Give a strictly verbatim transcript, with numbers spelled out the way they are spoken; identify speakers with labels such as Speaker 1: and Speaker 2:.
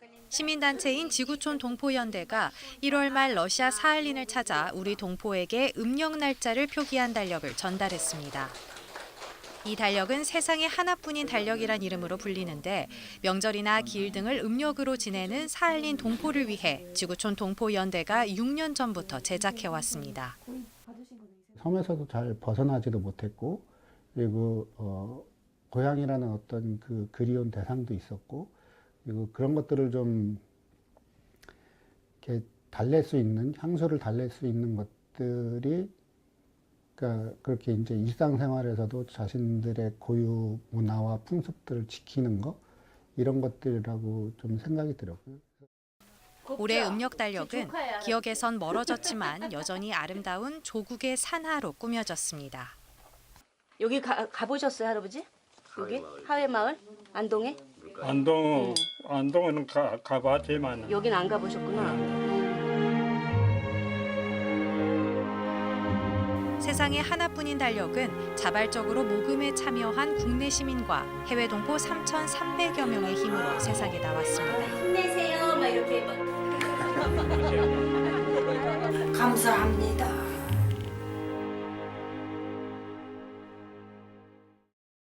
Speaker 1: 시민단체인 지구촌 동포연대가 일월 말 러시아 사할린을 찾아 우리 동포에게 음력 날짜를 표기한 달력을 전달했습니다. 이 달력은 세상에 하나뿐인 달력이란 이름으로 불리는데 명절이나 기일 등을 음력으로 지내는 사할린 동포를 위해 지구촌 동포연대가 육 년 전부터 제작해왔습니다.
Speaker 2: 섬에서도 잘 벗어나지도 못했고 그리고 어, 고향이라는 어떤 그 그리운 대상도 있었고 그리고 그런 것들을 좀 이렇게 달랠 수 있는 향수를 달랠 수 있는 것들이 그러니까 그렇게 이제 일상생활에서도 자신들의 고유 문화와 풍습들을 지키는 거 이런 것들이라고 좀 생각이 들었고요.
Speaker 1: 올해 음력 달력은 기억에선 멀어졌지만 여전히 아름다운 조국의 산하로 꾸며졌습니다.
Speaker 3: 여기 가, 가보셨어요, 할아버지? 여기? 하회마을? 안동에?
Speaker 4: 안동,
Speaker 3: 응.
Speaker 4: 안동은 가, 가봤지만
Speaker 3: 여긴 안 가보셨구나.
Speaker 1: 세상에 하나뿐인 달력은 자발적으로 모금에 참여한 국내 시민과 해외 동포 삼천삼백여 명의 힘으로 세상에 나왔습니다.
Speaker 3: 힘내세요, 막 이렇게.
Speaker 5: 감사합니다.